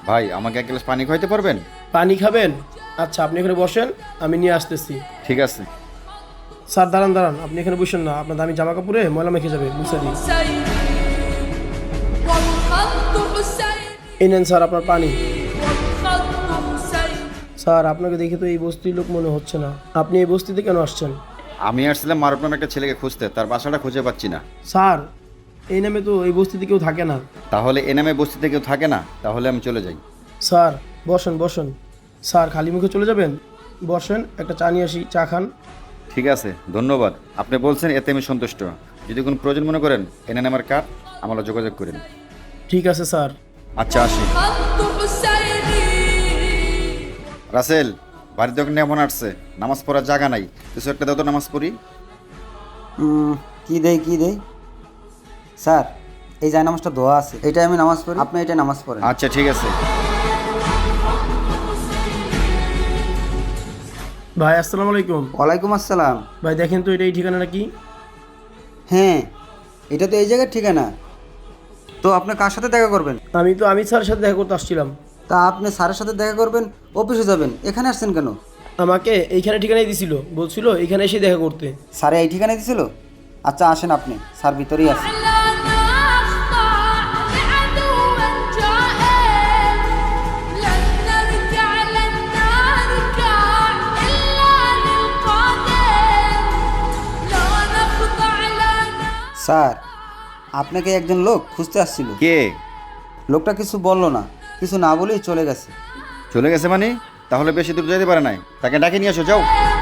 ভাই আমাকে এক গ্লাস পানি খাইতে পারবেন? পানি খাবেন? আচ্ছা, আপনি এখানে বসেন, আমি নিয়ে আসতেছি। ঠিক আছে। স্যার দাঁড়ান দাঁড়ান, আপনি এখানে বসেন না, আপনার দামি জামা কাপড়ে ময়লা মেখে যাবে, মুছে দিই। এই নেন স্যার আপনার পানি। স্যার আপনাকে দেখে তো এই বস্তির লোক মনে হচ্ছে না, আপনি এই বস্তিতে কেন আসছেন? আমি আসছিলাম মারুফ নামে একটা ছেলেকে খুঁজতে, তার বাসাটা খুঁজে পাচ্ছি না। স্যার এই নামে তো এই বস্তিতে কেউ থাকে না। তাহলে এ নামে বস্তিতে কেউ থাকে না? তাহলে আমি চলে যাই। স্যার বসেন বসেন। স্যার খালি মুখে চলে যাবেন? বসেন, একটা চা নিয়ে আসি, চা খান। ঠিক আছে, ধন্যবাদ। আপনি বলছেন এতে আমি সন্তুষ্ট। যদি কোনো প্রয়োজন মনে করেন এনে আমার কার্ড, আমার যোগাযোগ করেন। ঠিক আছে স্যার। আচ্ছা আসি। রাসেল, বাড়িতে ওখানে এমন আসছে, নামাজ পড়ার জায়গা নাই, কিছু একটা দাও তো নামাজ পড়ি। কি দেই স্যার, এই যায় নামাজটা দোয়া আছে, এটা আমি নামাজ পড়ি, আপনি এটা নামাজ পড়েন। আচ্ছা ঠিক আছে। ভাই আসসালামু আলাইকুম। ওয়ালাইকুম আসসালাম। ভাই দেখেন তো এটা এই ঠিকানা নাকি? হ্যাঁ, এটা তো এই জায়গার ঠিকানা। তো আপনি কার সাথে দেখা করবেন? আমি তো আমির স্যারের সাথে দেখা করতে আসছিলাম। তা আপনি স্যারের সাথে দেখা করবেন, অফিসে যাবেন, এখানে আসছেন কেন? আমাকে এইখানে ঠিকানাই দিছিল, বলছিল এইখানে এসে দেখা করতে। স্যারে এই ঠিকানায় দিছিল? আচ্ছা আসেন, আপনি স্যার ভিতরেই আছেন। স্যার, আপনাকে একজন লোক খুঁজতে আসছিল। কে? লোকটা কিছু বললো না, কিছু না বলেই চলে গেছে। চলে গেছে মানে? তাহলে বেশি দূর যেতে পারে নাই, তাকে ডাকে নিয়ে আসো, যাও।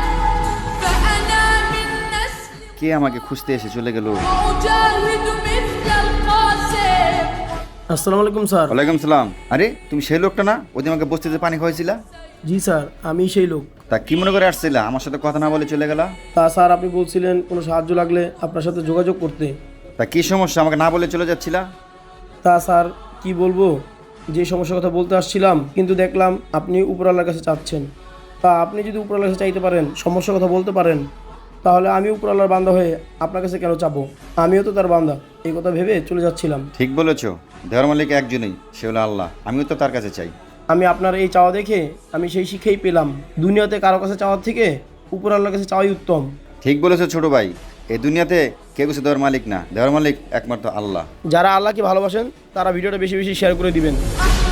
কে আমাকে খুঁজতে এসে চলে গেল? আসসালামু আলাইকুম স্যার। ওয়ালাইকুম সালাম। আরে তুমি সেই লোকটা না, ওদিন আমাকে বস্তিতে পানি খাওয়াইছিলা? জি স্যার, আমি সেই লোক। তা কি মনে করে আসছিলা, আমার সাথে কথা না বলে চলে গেলা? তা স্যার আপনি বলছিলেন কোনো সাহায্য লাগলে আপনার সাথে যোগাযোগ করতে। তা কি সমস্যা, আমাকে না বলে চলে যাচ্ছিলা? তা স্যার কি বলবো, যে সমস্যার কথা বলতে আসছিলাম, কিন্তু দেখলাম আপনি উপরওয়ালার কাছে চাচ্ছেন। তা আপনি যদি উপরওয়ালার কাছে চাইতে পারেন, সমস্যার কথা বলতে পারেন, তাহলে আমি উপরওয়ালার বান্দা হয়ে আপনার কাছে কেন চাবো? আমিও তো তার বান্দা, এই কথা ভেবে চলে যাচ্ছিলাম। ঠিক বলেছো, দেওয়ার মালিক একজনই, সে হলো আল্লাহ। আমিও তো তার কাছে চাই। আমি আপনার এই চাওয়া দেখে আমি সেই শিক্ষাই পেলাম, দুনিয়াতে কারো কাছে চাওয়ার থেকে উপরওয়ালার কাছে চাওয়াই উত্তম। ঠিক বলেছো ছোট ভাই, এই দুনিয়াতে কেউ কিছু দেওয়ার মালিক না, দেওয়ার মালিক একমাত্র আল্লাহ। যারা আল্লাহকে ভালোবাসেন তারা ভিডিওটা বেশি বেশি শেয়ার করে দিবেন।